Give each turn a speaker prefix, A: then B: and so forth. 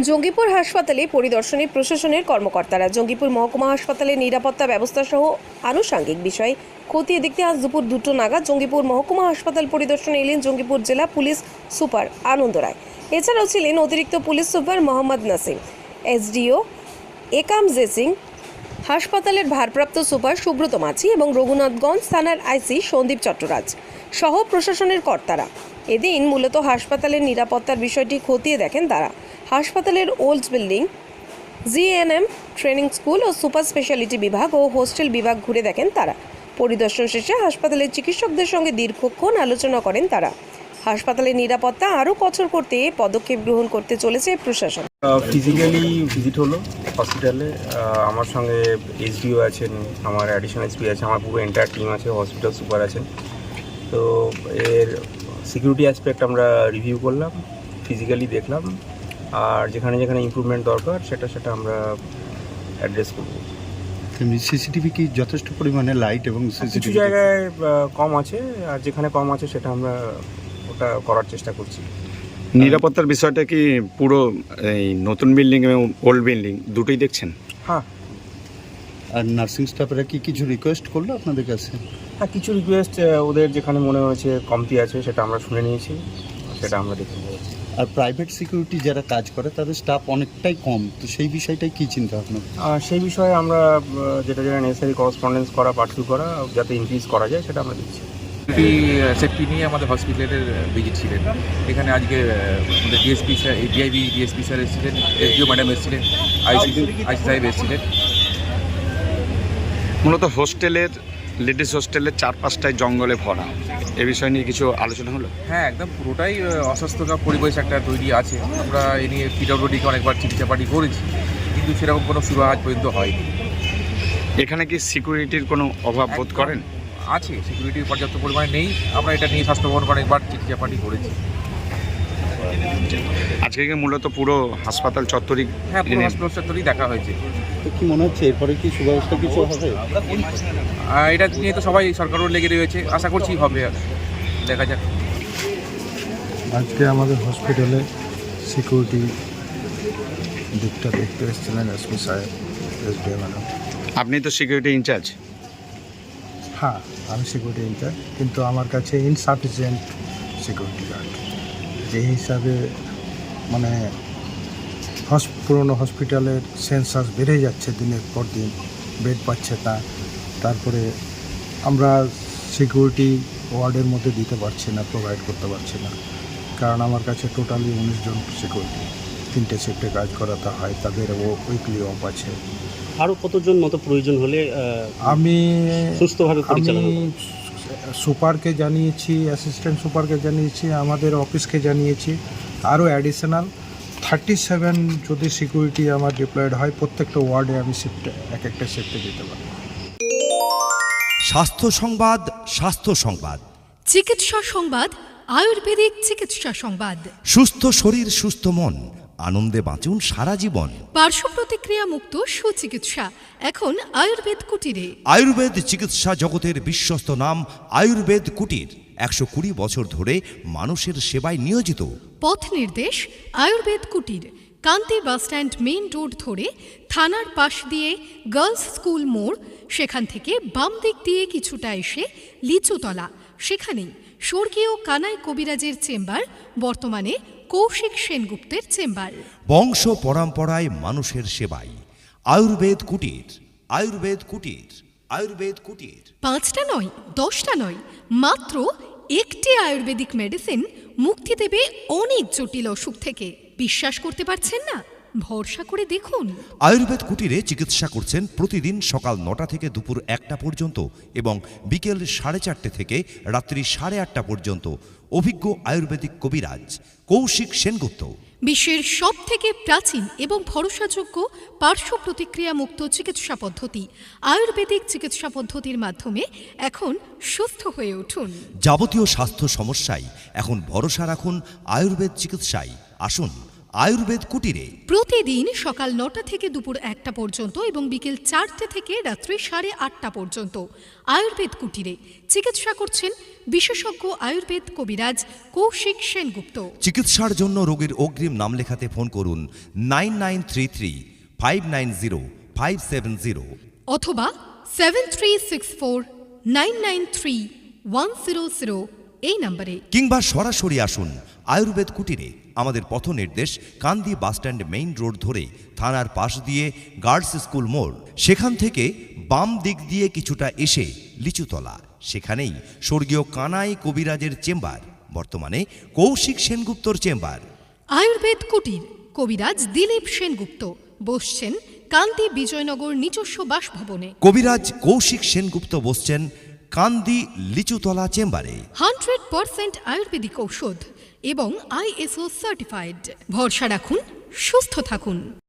A: জঙ্গিপুর হাসপাতালে পরিদর্শনে প্রশাসনের কর্মকর্তারা। জঙ্গিপুর মহকুমা হাসপাতালের নিরাপত্তা ব্যবস্থা সহ আনুষঙ্গিক বিষয় খতিয়ে দেখতে আজ দুপুর 2টো নাগাদ জঙ্গিপুর মহকুমা হাসপাতাল পরিদর্শনে এলেন জঙ্গিপুর জেলা পুলিশ সুপার আনন্দ রায়। এছাড়াও ছিলেন অতিরিক্ত police super Mohammad Nasim, SDO Ekam Jesing, হাসপাতালের ভারপ্রাপ্ত সুপার সুব্রত মাঝি এবং রঘুনাথগঞ্জ থানার আইসি সন্দীপ চট্টরাজ সহ প্রশাসনের কর্তারা। এদিন মূলত হাসপাতালের নিরাপত্তার বিষয়টি খতিয়ে দেখেন তারা। হাসপাতালের old building, GNM training school ও সুপার স্পেশালিটি বিভাগ ও হোস্টেল বিভাগ ঘুরে দেখেন তারা। পরিদর্শন শেষে হাসপাতালের চিকিৎসকদের সঙ্গে দীর্ঘক্ষণ আলোচনা করেন তারা। হাসপাতালের নিরাপত্তা আরও কঠোর করতে পদক্ষেপ গ্রহণ করতে চলেছে প্রশাসন।
B: ফিজিক্যালি ভিজিট হলো হসপিটালে। আমার সঙ্গে এসডিও আছেন, আমার অ্যাডিশনাল এসপি আছে, আমার পুরো এন্টায়ার টিম আছে, হসপিটাল সুপার আছেন। তো এর সিকিউরিটি অ্যাসপেক্ট আমরা রিভিউ করলাম, ফিজিক্যালি দেখলাম, আর যেখানে যেখানে ইমপ্রুভমেন্ট দরকার সেটা আমরা অ্যাড্রেস করব।
C: সিসিটিভি কি যথেষ্ট পরিমাণে লাইট এবং
B: কিছু জায়গায় কম আছে, আর যেখানে কম আছে সেটা আমরা ওটা করার চেষ্টা করছি।
C: নিরাপত্তার বিষয়টা কি পুরো এই নতুন বিল্ডিং এবং ওল্ড বিল্ডিং দুটোই দেখছেন?
B: হ্যাঁ।
C: আর নার্সিং স্টাফেরা কি কিছু রিকোয়েস্ট করলো আপনাদের কাছে?
B: হ্যাঁ, কিছু রিকোয়েস্ট ওদের যেখানে মনে হয়েছে কমতি আছে সেটা আমরা শুনে নিয়েছি, সেটা আমরা দেখে নেব।
C: আর প্রাইভেট সিকিউরিটি যারা কাজ করে তাদের স্টাফ অনেকটাই কম, তো সেই বিষয়টাই কী চিন্তা ভাবনা?
B: সেই বিষয়ে আমরা যেটা নেসেসারি করসপন্ডেন্স করা, পার্সু করা, যাতে ইনক্রিজ করা যায় সেটা আমরা দিচ্ছি।
D: সেফটি নিয়ে আমাদের হসপিটালের ভিজিট ছিলেন। এখানে আজকে আমাদের ডিএসপি স্যার, ডিএসপি স্যার এসেছিলেন, এসডিও ম্যাডাম এসেছিলেন, আইসি সাহেব এসেছিলেন।
C: মূলত হোস্টেলের লেডিস হোস্টেলের 4-5টায় জঙ্গলে ভরা, এ বিষয় নিয়ে কিছু আলোচনা হলো?
D: হ্যাঁ, একদম পুরোটাই অস্বাস্থ্যকর পরিবেশ একটা তৈরি আছে। আমরা এ নিয়ে পিডব্লিউডিকে অনেকবার চিকিৎসাপাটি করেছি, কিন্তু সেরকম কোনো সুরাহা আজ পর্যন্ত হয়নি।
C: এখানে কি সিকিউরিটির কোনো অভাব বোধ করেন?
D: আছে, সিকিউরিটির পর্যাপ্ত পরিমাণে নেই। আমরা এটা নিয়ে স্বাস্থ্য ভবন অনেকবার চিকিৎসাপাটি করেছি।
C: আজকে কি মূলত পুরো হাসপাতাল চত্বরই?
D: হ্যাঁ, পুরো হাসপাতাল চত্বরই দেখা হয়েছে।
C: তো কি মনে হচ্ছে এরপরে কি সুব্যবস্থা কিছু হবে?
D: এটা নিয়ে তো সবাই সরকারও লেগে রয়েছে, আশা করছি হবে, দেখা যাক।
E: আজকে আমাদের হসপিটালে সিকিউরিটি দিকটা দেখতে এসেছিলেন এসপি সাহেব, এসডিও ম্যাডাম।
C: আপনি তো সিকিউরিটি ইনচার্জ।
E: হ্যাঁ, আমি সিকিউরিটি ইনচার্জ, কিন্তু আমার কাছে ইনসাফিসিয়েন্ট সিকিউরিটি গার্ড। যে হিসাবে মানে পুরনো হসপিটালের সেন্সাস বেড়ে যাচ্ছে দিনের পর দিন, বেড পাচ্ছে না, তারপরে আমরা সিকিউরিটি ওয়ার্ডের মধ্যে দিতে পারছি না, প্রোভাইড করতে পারছি না, কারণ আমার কাছে টোটালি 19 জন সিকিউরিটি, 3টে শিফটে কাজ করাতে হয়, তাদের উইকলি অফ আছে।
F: আরও কতজন মতো প্রয়োজন হলে
E: আমি
F: সুস্থভাবে পরিচালনা?
E: সুপারকে জানিয়েছি, অ্যাসিস্ট্যান্ট সুপারকে জানিয়েছি, আমাদের অফিসকে জানিয়েছি। আরও অ্যাডিশনাল 37 যদি সিকিউরিটি আমার ডিপ্লয়েড হয়, প্রত্যেকটা ওয়ার্ডে আমি শিফটে একটা শিফটে দিতে পারবো।
G: স্বাস্থ্য সংবাদ, স্বাস্থ্য সংবাদ,
H: চিকিৎসা সংবাদ, আয়ুর্বেদিক চিকিৎসা সংবাদ।
G: সুস্থ শরীর সুস্থ মন, আনন্দে বাঁচুন সারা জীবন।
H: পার্শ্ব প্রতিক্রিয়া মুক্ত সুচিকিৎসা এখন আয়ুর্বেদ কুটিরে।
G: আয়ুর্বেদ চিকিৎসা জগতের বিশ্বস্ত নাম আয়ুর্বেদ কুটির 120 বছর ধরে মানুষের সেবায় নিয়োজিত।
H: পথ নির্দেশ আয়ুর্বেদ কুটির, কান্তি বাসস্ট্যান্ড মেইন রোড ধরে থানার পাশ দিয়ে গার্লস স্কুল মোড়, সেখান থেকে বাম দিক দিয়ে কিছুটা এসে লিচুতলা, সেখানেই স্বর্গীয় কানাই কবিরাজের চেম্বার, বর্তমানে কৌশিক সেনগুপ্তের চেম্বার।
G: বংশ পরম্পরায় মানুষের সেবায় আয়ুর্বেদ কুটির, আয়ুর্বেদ কুটির, আয়ুর্বেদ কুটির। 5টা
H: নয়, 10টা নয়, মাত্র একটি আয়ুর্বেদিক মেডিসিন মুক্তি দেবে অনেক জটিল অসুখ থেকে। বিশ্বাস করতে পারছেন না? ভরসা করে দেখুন।
G: আয়ুর্বেদ কুটিরে চিকিৎসা করছেন প্রতিদিন সকাল 9টা থেকে দুপুর 1টা পর্যন্ত এবং বিকেল 4:30 থেকে রাত্রি 8:30 পর্যন্ত অভিজ্ঞ আয়ুর্বেদিক কবিরাজ কৌশিক সেনগুপ্ত।
H: বিশ্বের সবথেকে প্রাচীন এবং ভরসাযোগ্য পার্শ্ব প্রতিক্রিয়া মুক্ত চিকিৎসা পদ্ধতি আয়ুর্বেদিক চিকিৎসা পদ্ধতির মাধ্যমে এখন সুস্থ হয়ে উঠুন।
G: যাবতীয় স্বাস্থ্য সমস্যায় এখন ভরসা রাখুন আয়ুর্বেদ চিকিৎসায়। আসুন আয়ুর্বেদ কুটিরে।
H: প্রতিদিন সকাল 9টা থেকে দুপুর 1টা পর্যন্ত এবং বিকেল 4টে থেকে রাত্রি 8:30 পর্যন্ত আয়ুর্বেদ কুটিরে চিকিৎসা করছেন বিশেষজ্ঞ আয়ুর্বেদ কবিরাজ কৌশিক সেনগুপ্ত।
G: চিকিৎসার জন্য রোগীর অগ্রিম নাম লেখাতে ফোন করুন 9933590570
H: অথবা 7364993100 এই নম্বরে,
G: কিংবা সরাসরি আসুন আয়ুর্বেদ কুটিরে। আমাদের পথ নির্দেশ কান্দি বাসস্ট্যান্ড মেইন রোড ধরে থানার পাশ দিয়ে গার্লস স্কুল মোড়, সেখান থেকে বাম দিক দিয়ে কিছুটা এসে লিচুতলা, সেখানেই স্বর্গীয় কানাই কবিরাজের চেম্বার, বর্তমানে কৌশিক সেনগুপ্তর চেম্বার।
H: আয়ুর্বেদ কুটির কবিরাজ দিলীপ সেনগুপ্ত বসছেন কান্দি বিজয়নগর নিজস্ব বাসভবনে।
G: কবিরাজ কৌশিক সেনগুপ্ত বসছেন কান্দি লিচুতলা চেম্বারে।
H: 100% আয়ুর্বেদিক ঔষধ এবং ISO সার্টিফাইড। ভরসা রাখুন, সুস্থ থাকুন।